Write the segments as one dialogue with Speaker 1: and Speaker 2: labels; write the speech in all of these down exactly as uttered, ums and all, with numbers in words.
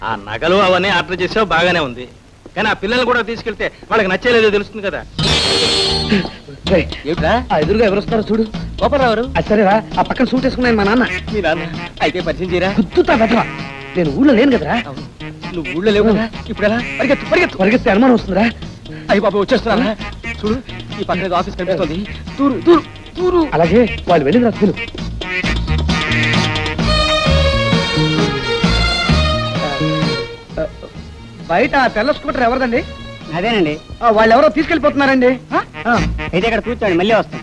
Speaker 1: ఆ నగలు అవన్నీ ఆర్డర్ చేసావు బాగానే ఉంది, కానీ ఆ పిల్లల్ని కూడా తీసుకెళ్తే వాళ్ళకి నచ్చేలేదో తెలుస్తుంది కదా.
Speaker 2: ఎదురుగా ఎవరు వస్తారో చూడు.
Speaker 1: గోపాలరావు.
Speaker 2: సరేరా, ఆ పక్కన సూట్ వేసుకున్నాను మా నాన్న.
Speaker 1: మీ నాన్న అయితే పరిచయం చేయరా?
Speaker 2: గుర్తుతా బెదవా, నేను ఊళ్ళో లేను కదరా.
Speaker 1: నువ్వు ఊళ్ళో లేవు కదా, ఇప్పుడు ఎలా? పరిగెత్తు పరిగెత్తు
Speaker 2: పరిగెత్తే అనుమానం వస్తుందిరా.
Speaker 1: అయ్యి బాబు వచ్చేస్తున్నా చూడు, ఈ పక్కన ఆఫీస్ కనిపిస్తుంది. తూరు తూరు తూరు.
Speaker 2: అలాగే వాళ్ళు వెళ్ళిన రస్తులు. బయట తెల్ల స్కూటర్ ఎవరిదండి?
Speaker 3: అదేనండి.
Speaker 2: వాళ్ళు ఎవరో తీసుకెళ్ళిపోతున్నారండి.
Speaker 3: అయితే ఇక్కడ కూర్చోండి, మళ్ళీ వస్తాం.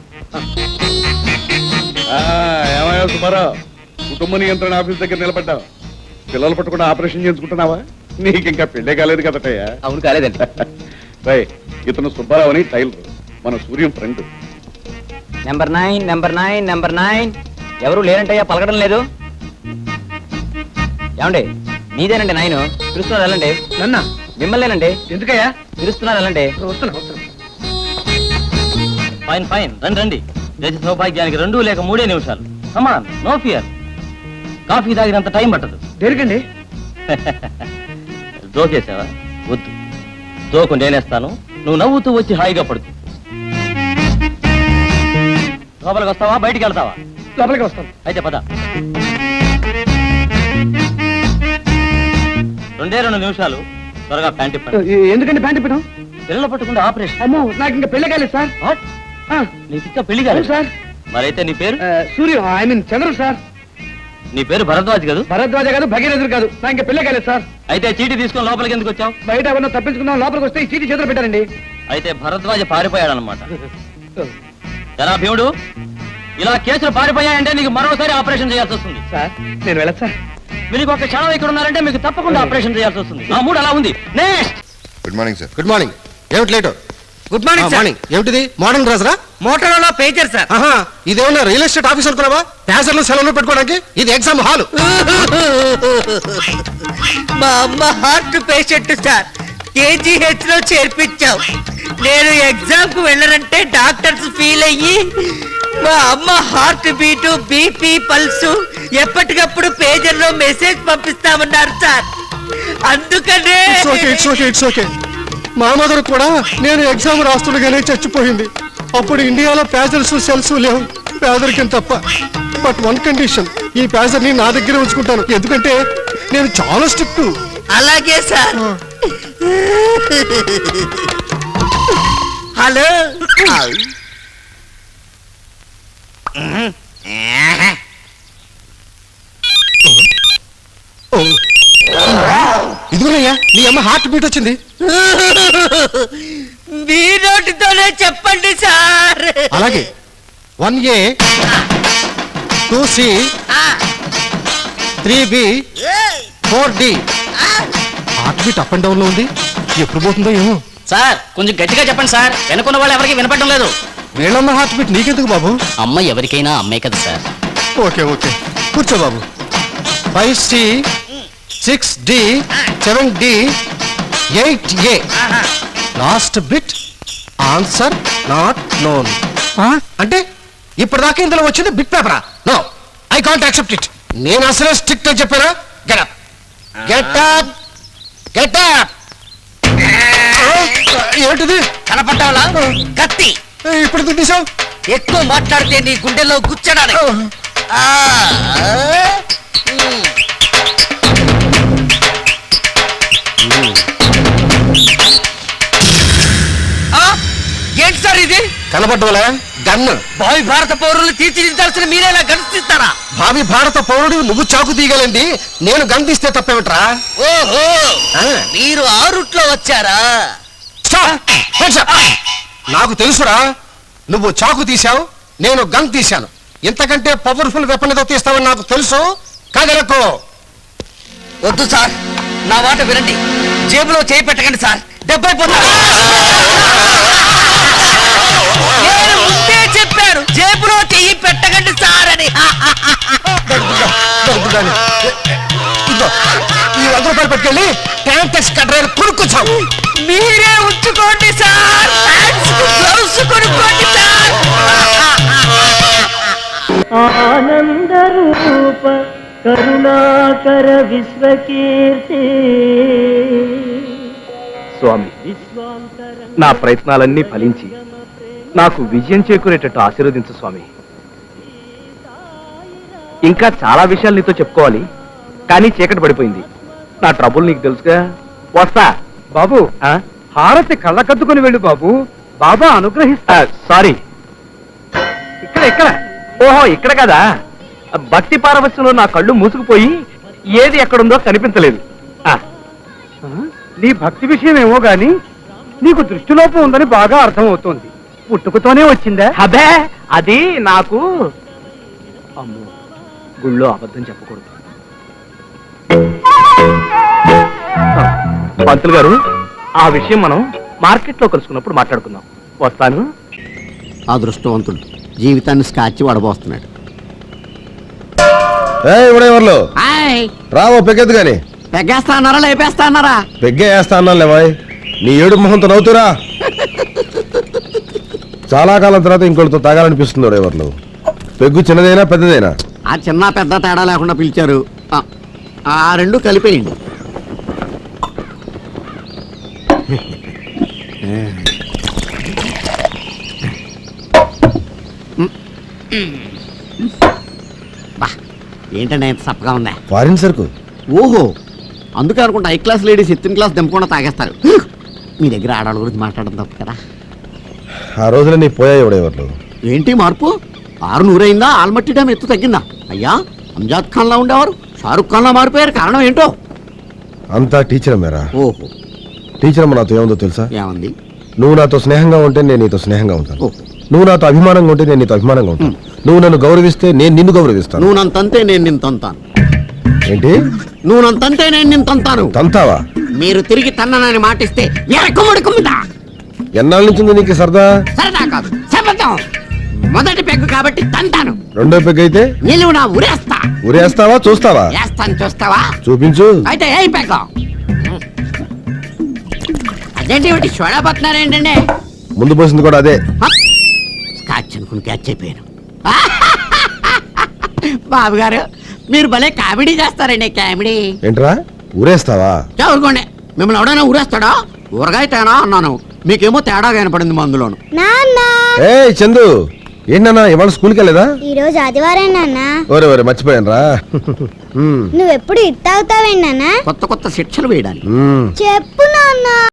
Speaker 4: ఏమయ్యా సుబ్బారావు, కుటుంబ నియంత్రణ ఆఫీస్ దగ్గర నిలబడ్డావు. పిల్లలు పట్టుకుని ఆపరేషన్ చేయించుకుంటున్నావా? నీకు ఇంకా పెళ్ళే కాలేదు కదటయ్యా.
Speaker 1: అవును కాలేదండి.
Speaker 4: రై, ఇతను సుబ్బారావు అని టైలర్, మన Suryam friend.
Speaker 3: Number nine number nine number nine ఎవరు లేరంటయ్యా, పలకడం లేదు. ఏమండి, మీదేనండి నైన్. పిలుస్తున్నారు వెళ్ళండి.
Speaker 2: నన్న
Speaker 3: మిమ్మల్నేనండి.
Speaker 2: ఎందుకయ్యా?
Speaker 3: పిలుస్తున్నారు వెళ్ళండి.
Speaker 2: వస్తున్నా వస్తున్నా.
Speaker 1: ఫైన్ ఫైన్, రండి రండి. దేశ సౌభాగ్యానికి రెండు లేక మూడే నిమిషాలు. Come on, no fear. కాఫీ తాగినంత టైం పట్టదు.
Speaker 2: దేనికండి?
Speaker 1: జోకేసావా? వద్దు, జోకు నేనేస్తాను. నువ్వు నవ్వుతూ వచ్చి హాయిగా పడుతు. లోపలికి వస్తావా బయటికి వెళ్తావా?
Speaker 2: లోపలికి వస్తాను.
Speaker 1: అయితే పద. రెండే రెండు నిమిషాలు, త్వరగా ప్యాంట్ ఇప్పండి.
Speaker 2: ఎందుకండి ప్యాంట్ ఇప్పడం?
Speaker 1: పిల్లలు పట్టుకుంటే ఆపరేషన్.
Speaker 2: అమ్మో, నాకు ఇంకా పెళ్లి కాలేదు సార్.
Speaker 1: నీకు ఇంకా పెళ్లి కాలేదు
Speaker 2: సార్.
Speaker 1: మరైతే నీ పేరు?
Speaker 2: Suryam, I mean Chandrudu sir.
Speaker 1: నీ పేరు భరద్వాజ్ కాదు?
Speaker 2: భరద్వాజ కాదు, భగీరథుడు కాదు. నాకు ఇంకా పెళ్లి కాలేదు సార్.
Speaker 1: అయితే చీటీ తీసుకొని లోపలికి ఎందుకు వచ్చావు?
Speaker 2: బయట ఎవరన్నా తప్పించుకుందాం, లోపలికి వస్తే ఈ చీటీ చేతులు పెట్టారండి.
Speaker 1: అయితే భరద్వాజ పారిపోయాడనమాట. జరా భీముడు, ఇలా కేసులు పారిపోయాయంటే నీకు మరోసారి ఆపరేషన్ చేయాల్సి వస్తుంది.
Speaker 2: సార్ నేను వెళ్ళదు సార్.
Speaker 1: మీరు ఒక క్షణం ఇక్కడ ఉన్నారంటే మీకు తప్పకుండా ఆపరేషన్ చేయాల్సి వస్తుంది. నా మూడు అలా ఉంది. Next.
Speaker 5: Good morning sir. Good morning. ఏమిటి లేటు?
Speaker 3: Good morning morning.
Speaker 5: ఏమిటిది మోడర్న్ డ్రెస్ రా?
Speaker 3: Motor pager sir.
Speaker 5: ఆహా, ఇదేమన్నా రియల్ ఎస్టేట్ ఆఫీస్ అనుకున్నావా? ప్యాసర్లు సెలవులు పెట్టుకోవడానికి? ఇది ఎగ్జామ్ హాల్.
Speaker 6: మా అమ్మ హార్ట్ పేషెంట్ సార్, కేజీహెచ్ లో చేర్పించాం. నేను ఎగ్జామ్ కు వెళ్ళనంటే డాక్టర్స్ ఫీల్ అయ్యి మా అమ్మ హార్ట్ బీటు, బీపీ, పల్సు ఎప్పటికప్పుడు పేజర్ లో మెసేజ్ పంపిస్తామన్నారు సార్. అందుకనే
Speaker 5: it's okay it's okay it's okay. మా మదర్ కూడా నేను ఎగ్జామ్ రాస్తుండగానే చచ్చిపోయింది. అప్పుడు ఇండియాలో ప్యాజర్స్ సెల్స్ లేవు, పేదరికం తప్ప. బట్ వన్ కండిషన్, ఈ ప్యాజర్ ని నా దగ్గర ఉంచుకుంటాను, ఎందుకంటే నేను చాలా స్ట్రిక్ట్.
Speaker 6: అలాగే సార్. హలో,
Speaker 5: ఇదిగోనయ్యా నీ అమ్మ హార్ట్ బీట్ వచ్చింది.
Speaker 6: మీ నోటితోనే చెప్పండి సార్.
Speaker 5: అలాగే one A, two C, three B, four D. Heart beat up and down లో ఉంది, ఎప్పుడు పోతుందో ఏమో.
Speaker 3: సార్ కొంచెం గట్టిగా చెప్పండి సార్, వెనుకున్న వాళ్ళు ఎవరికి వినపడడం లేదు.
Speaker 5: వీళ్ళన్న హార్ట్ బీట్ నీకెందుకు బాబు?
Speaker 3: అమ్మ ఎవరికైనా అమ్మే కదా సార్.
Speaker 5: ఓకే ఓకే, కూర్చో బాబు. Five C, six D, seven D, eight A. Last bit answer not known. అంటే ఇప్పటిదాకా ఇందులో వచ్చింది బిట్ పేపరా? No, I can't accept it. నేను అసలే స్ట్రిక్ట్ అని చెప్పారా? Get up get up get up. ఏంటిది?
Speaker 6: కనపడ్డావా? కత్తి.
Speaker 5: ఇప్పుడు ఎందుకు తీసావు?
Speaker 6: ఎక్కువ మాట్లాడితే నీ గుండెలో గుచ్చడానికి. ఏంటి సార్ ఇది?
Speaker 5: కనపడ్డవలే గన్ను.
Speaker 6: భావి భారత పౌరులు తీర్చిదిద్దాల్సిన మీరేలా గణిస్తారా?
Speaker 5: భావి భారత పౌరుడు నువ్వు చాకు తీయగలండి, నేను గన్ తీస్తే తప్పేమిట్రా?
Speaker 6: ఓహో, మీరు ఆ రూట్ లో వచ్చారా?
Speaker 5: నాకు తెలుసురా, నువ్వు చాకు తీశావు, నేను గన్ తీశాను. ఇంతకంటే పవర్ఫుల్ వెపన్ ఏదో తీస్తావని నాకు తెలుసు. కదలకు.
Speaker 6: వద్దు సార్, నా మాట వినండి. జేబులో చేయి పెట్టకండి సార్, దెబ్బైపోతారు. నేను ముందే చెప్పాను, జేబులో చెయ్యి పెట్టకండి సార్ అని.
Speaker 5: ఈ వంద రూపాయలు పెట్టుకెళ్ళి ట్యాంక్స్ కట్రైలు కొనుక్కొచ్చావు.
Speaker 6: మీరే ఉంచుకోండి సార్, గ్లౌస్ కొనుక్కోండి సార్.
Speaker 7: ఆనంద రూప
Speaker 6: కరుణాకర విశ్వకీర్తి
Speaker 2: స్వామి నా ప్రయత్నాలన్నీ ఫలించి నాకు విజయం చేకూరేటట్టు ఆశీర్వదించు స్వామి. ఇంకా చాలా విషయాలు నీతో చెప్పుకోవాలి, కానీ చీకటి పడిపోయింది. నా ట్రబుల్ నీకు తెలుసుగా. వస్తా బాబు. హారతి కళ్ళకద్దుకుని వెళ్ళు బాబు, బాబా అనుగ్రహిస్తా. సారీ, ఇక్కడ ఇక్కడ ఓహో ఇక్కడ కదా. భక్తి పారవశ్యంలో నా కళ్ళు మూసుకుపోయి ఏది ఎక్కడుందో కనిపించలేదు. ఆ, నీ భక్తి విషయం ఏమో గాని నీకు దృష్టిలోపం ఉందని బాగా అర్థమవుతోంది. పుట్టుకతోనే వచ్చిందా? అదే అది నాకు. అమ్మో, గుళ్ళో అబద్ధం చెప్పకూడదు. పంతులు గారు, ఆ విషయం మనం మార్కెట్ లో కలుసుకున్నప్పుడు మాట్లాడుకుందాం. వస్తాను.
Speaker 7: అదృష్టవంతుడు జీవితాన్ని స్కాచ్ వడబోస్తున్నాడు.
Speaker 5: ఇవిడేవర్లు రావో పెగ్గెద్దు గాని.
Speaker 7: పెగ్గేస్తా అన్నారా లేపేస్తా అన్నారా?
Speaker 5: పెగ్గే వేస్తా అన్నాను లేవాయ్. నీ ఏడు మొహంతో నవ్వుతురా. చాలా కాలం తర్వాత ఇంకోటితో తాగాలనిపిస్తుంది ఎవరు. పెగ్గు చిన్నదైనా పెద్దదైనా?
Speaker 7: ఆ చిన్న పెద్ద తేడా లేకుండా పిలిచారు. ఆ, ఆ రెండు కలిపేయండి. బా, ఏంటంటే ఎంత సప్పగా ఉందా?
Speaker 5: ఫారిన్ సరుకు.
Speaker 7: ఓహో, అందుకే అనుకుంటా హై క్లాస్ లేడీస్ ఎత్తిన క్లాస్ దింపకుండా తాగేస్తారు. మీ దగ్గర ఆడవాళ్ళ గురించి మాట్లాడడం తప్పు కదా.
Speaker 5: ఆ రోజున నీ పోయాయి ఎవడెవర్లు.
Speaker 7: ఏంటి మార్పు? ఆరు నూరైందా? ఆల్మట్టి డ్యామ్ ఎత్తు తగ్గిందా? అయ్యా, అంజాద్ ఖాన్ లా ఉండేవారు షారుఖ్ ఖాన్ లా మారిపోయారు. కారణం ఏంటో?
Speaker 5: అంతా టీచర్ మేరా.
Speaker 7: ఓహో,
Speaker 5: టీచర్ అమ్మ నాతో ఏముందో తెలుసా?
Speaker 7: ఏమంది?
Speaker 5: నువ్వు నాతో స్నేహంగా ఉంటే నేను నీతో స్నేహంగా ఉంటాను.
Speaker 7: ఓహో.
Speaker 5: నువ్వు నాతో అభిమానంగా ఉంటే నేను నీతో అభిమానంగా ఉంటాను. నువ్వు నన్ను గౌరవిస్తే నేను నిన్ను గౌరవిస్తాను.
Speaker 7: నువ్వు నన్ను తంతే నేను నిన్ను తంతాను.
Speaker 5: ఏంటి?
Speaker 7: నువ్వు నన్ను తంతే నేను నిన్ను తంతాను.
Speaker 5: తంతావా?
Speaker 7: మీరు తిరిగి తన్ననని మాటిస్తే ఎరకుముడి కుమ్మిదా.
Speaker 5: ఎన్నాళ్ళ నుంచి ఉంది నీకు సరదా?
Speaker 7: సరదా కాదు, శపథం. మొదటి పెగ్గు కాబట్టి తంతాను.
Speaker 5: రెండో పెగ్ అయితే
Speaker 7: నిలువు నా ఉరేస్తా.
Speaker 5: ఉరేస్తావా చూస్తావా?
Speaker 7: వేస్తాను, చూస్తావా?
Speaker 5: చూపించు.
Speaker 7: అయితే ఏ పెగ్గ? అదేంటి ఇవి చూడబోతున్నారేంటండి?
Speaker 5: ముందు పోసింది కూడా అదే.
Speaker 7: స్కాచ్ అనుకుని క్యాచ్ అయిపోయాను. బాబు గారు, మీరు భలే కామెడీ చేస్తారండి. కామెడీ
Speaker 5: ఏంట్రా ఊరేస్తావా?
Speaker 7: చదువుకోండి. మిమ్మల్ని ఎవడైనా ఊరేస్తాడా? ఊరగాయ తేనా అన్నాను, మీకేమో తేడా కనపడింది మందులోను.
Speaker 5: ఏ చందు, ఏంటన్నా ఇవాళ స్కూల్కి వెళ్ళేదా?
Speaker 8: ఈ రోజు ఆదివారం నాన్న.
Speaker 5: ఓరే ఓరే మర్చిపోయాను రా.
Speaker 8: నువ్వెప్పుడు ఇట్ తాగుతావేంటి నాన్న?
Speaker 7: కొత్త కొత్త శిక్షలు వేయడానికి.
Speaker 8: చెప్పు నాన్న.